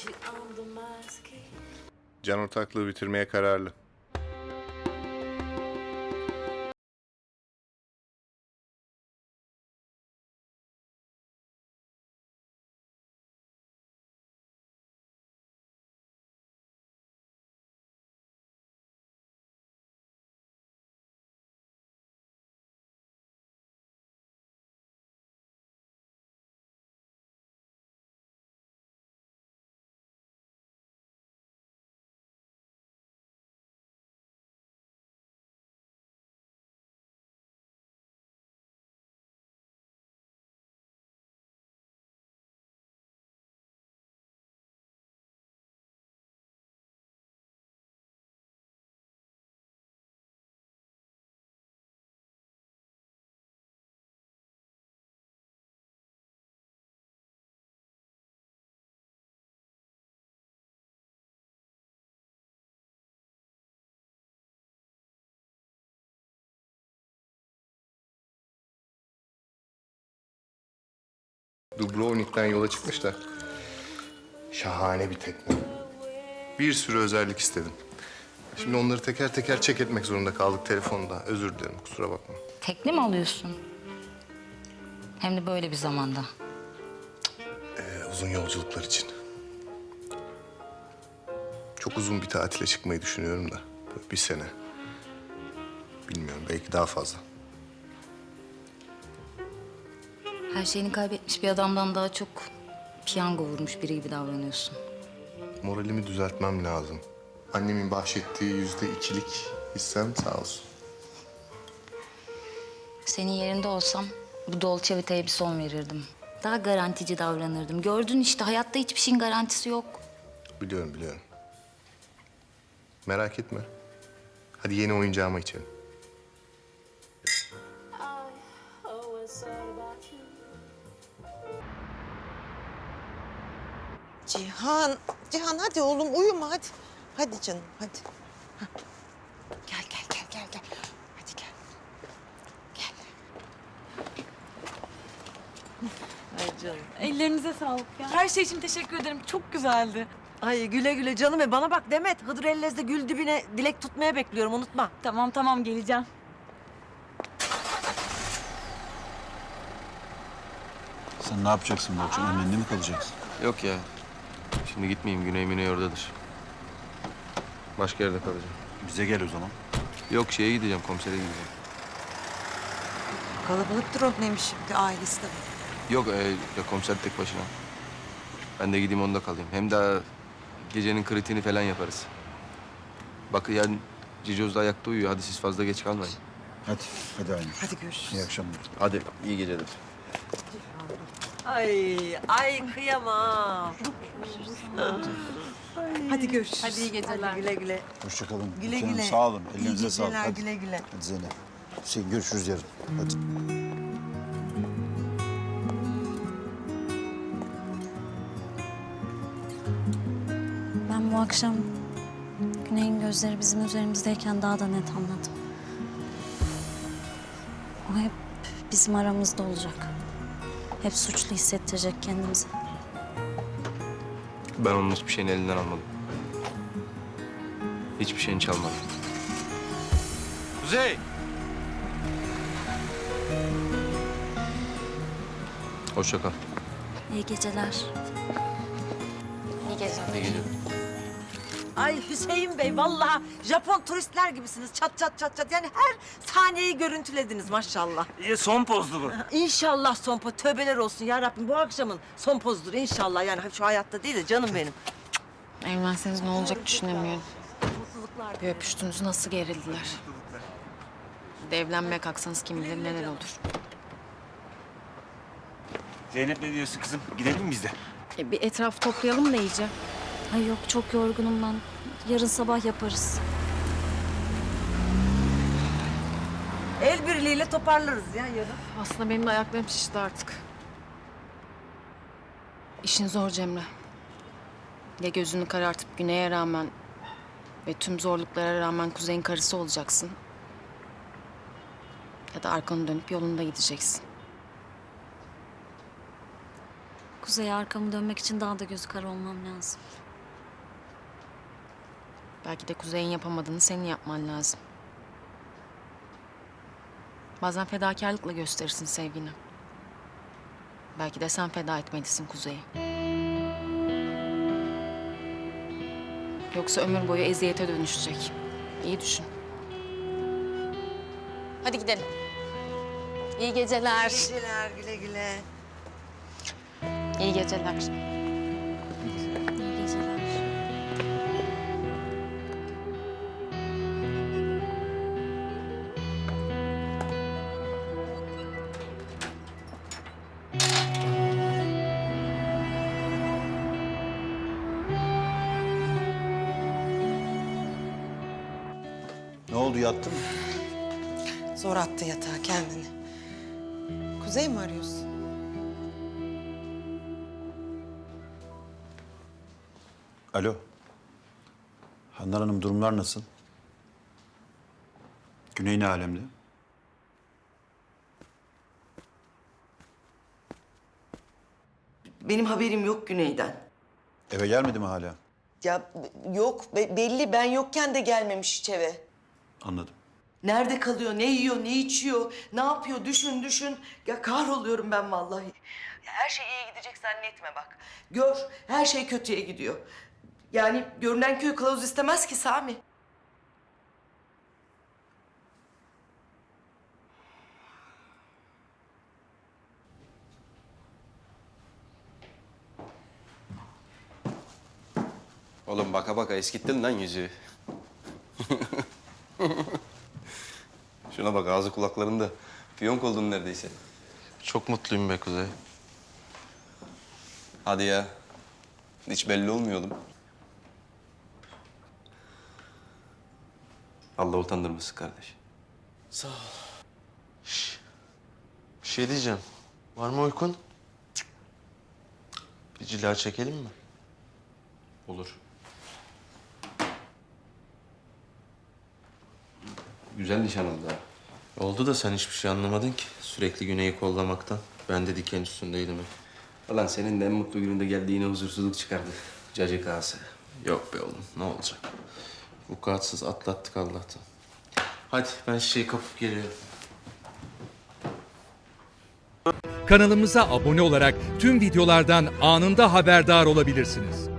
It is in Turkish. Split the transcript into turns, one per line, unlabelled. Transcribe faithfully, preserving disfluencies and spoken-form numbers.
Can ortaklığı bitirmeye kararlı. Dubrovnik'ten yola çıkmış da şahane bir tekne. Bir sürü özellik istedim. Şimdi onları teker teker çek etmek zorunda kaldık telefonda. Özür dilerim, kusura bakma.
Tekne mi alıyorsun? Hem de böyle bir zamanda.
Ee, uzun yolculuklar için. Çok uzun bir tatile çıkmayı düşünüyorum da. Böyle bir sene. Bilmiyorum, belki daha fazla.
Her şeyini kaybetmiş bir adamdan daha çok piyango vurmuş biri gibi davranıyorsun.
Moralimi düzeltmem lazım. Annemin bahşettiği yüzde ikilik hissem sağ olsun.
Senin yerinde olsam bu Dolce Vita'ya bir son verirdim. Daha garantici davranırdım. Gördün işte, hayatta hiçbir şeyin garantisi yok.
Biliyorum, biliyorum. Merak etme. Hadi yeni oyuncağıma içelim.
Cihan, Cihan hadi oğlum uyuma hadi. Hadi canım hadi. Hah. Gel gel gel gel gel. Hadi gel. Gel. Ay canım.
Ellerinize sağlık ya. Her şey için teşekkür ederim. Çok güzeldi.
Ay güle güle canım. E bana bak Demet. Hıdır Ellez'de gül dibine dilek tutmaya bekliyorum unutma.
Tamam tamam geleceğim.
Sen ne yapacaksın bu akşam? Annenle mi kalacaksın?
Yok ya. Şimdi gitmeyeyim. Güney Güney oradadır. Başka yerde kalacağım.
Bize gel o zaman.
Yok şeye gideceğim. Komisere gideceğim.
Kalabalıktır o neymiş şimdi ailesi de.
Yok e, ya komiser tek başına. Ben de gideyim onda kalayım. Hem daha gecenin kritiğini falan yaparız. Bak yani Cicoz da ayakta uyuyor. Hadi siz fazla geç kalmayın.
Hadi, hadi Aynur.
Hadi görüşürüz.
İyi akşamlar.
Hadi iyi geceler.
Ay ay kıyamam. Hadi görüşürüz.
Hadi iyi geceler.
Hadi güle güle.
Hoşça kalın.
Güle
Canım,
güle.
Sağ olun.
İyi
Ellerinize sağlık.
geceler,
Hadi.
güle güle.
Hadi Zeynep. Hüseyin görüşürüz yarın. Hadi.
Ben bu akşam Güney'in gözleri bizim üzerimizdeyken daha da net anladım. O hep bizim aramızda olacak. Hep suçlu hissettirecek kendimizi.
Ben onun hiçbir şeyini elinden almadım. Hiçbir şeyini çalmadım. Kuzey! Hoşça kal.
İyi geceler.
İyi geceler.
İyi geceler.
Ay Hüseyin Bey vallahi Japon turistler gibisiniz. Çat çat çat çat. Yani her sahneyi görüntülediniz maşallah.
İyi, son pozdu bu.
İnşallah son poz. Tövbeler olsun ya Rabbim. Bu akşamın son pozdur inşallah. Yani şu hayatta değil de canım benim.
Evlenseniz ne olacak düşünemiyorum. Bir öpüştünüz nasıl gerildiler. Bir de evlenmeye kalksanız kim bilir neler olur.
Zeynep ne diyorsun kızım? Gidelim mi biz de?
E, bir etraf toplayalım da iyice.
Ay yok çok yorgunum ben. Yarın sabah yaparız.
El birliğiyle toparlarız ya yarın.
Aslında benim de ayaklarım şişti artık. İşin zor Cemre. Ya gözünü karartıp Güney'e rağmen ve tüm zorluklara rağmen Kuzey'in karısı olacaksın. Ya da arkanı dönüp yolunda gideceksin.
Kuzey'e arkamı dönmek için daha da gözü kara olmam lazım.
Belki de Kuzey'in yapamadığını senin yapman lazım. Bazen fedakarlıkla gösterirsin sevgini. Belki de sen feda etmelisin Kuzey'i. Yoksa ömür boyu eziyete dönüşecek. İyi düşün. Hadi gidelim. İyi geceler.
Geceler, güle güle.
İyi geceler.
İyi geceler.
Ne oldu, yattın mı?
Zor attı yatağa kendini. Kuzey mi arıyorsun?
Alo. Handan Hanım, durumlar nasıl? Güney ne alemde?
Benim haberim yok Güney'den.
Eve gelmedi mi hala?
Ya b- yok be- belli ben yokken de gelmemiş hiç eve.
Anladım.
Nerede kalıyor, ne yiyor, ne içiyor, ne yapıyor düşün düşün. Ya kahroluyorum ben vallahi. Ya her şey iyi gidecek zannetme bak. Gör her şey kötüye gidiyor. Yani görünen köy kılavuz istemez ki Sami.
Oğlum baka baka eskittin lan yüzüğü. Şuna bak ağzı kulaklarında. Fiyonk oldun neredeyse.
Çok mutluyum be Kuzey.
Hadi ya. Hiç belli olmuyordum. Allah utandırmasın kardeş.
Bir şey diyeceğim. Var mı uykun? Bir cila çekelim mi?
Olur. Güzel nişan oldu ha.
Oldu da sen hiçbir şey anlamadın ki. Sürekli Güney'i kollamaktan. Ben de diken üstündeydim hep.
Ulan senin de en mutlu gününde geldiğine huzursuzluk çıkardı. Cacık ağası.
Yok be oğlum, ne olacak? Vukuatsız atlattık Allah'tan. Hadi ben şişeyi kapıp geliyorum.
Kanalımıza abone olarak tüm videolardan anında haberdar olabilirsiniz.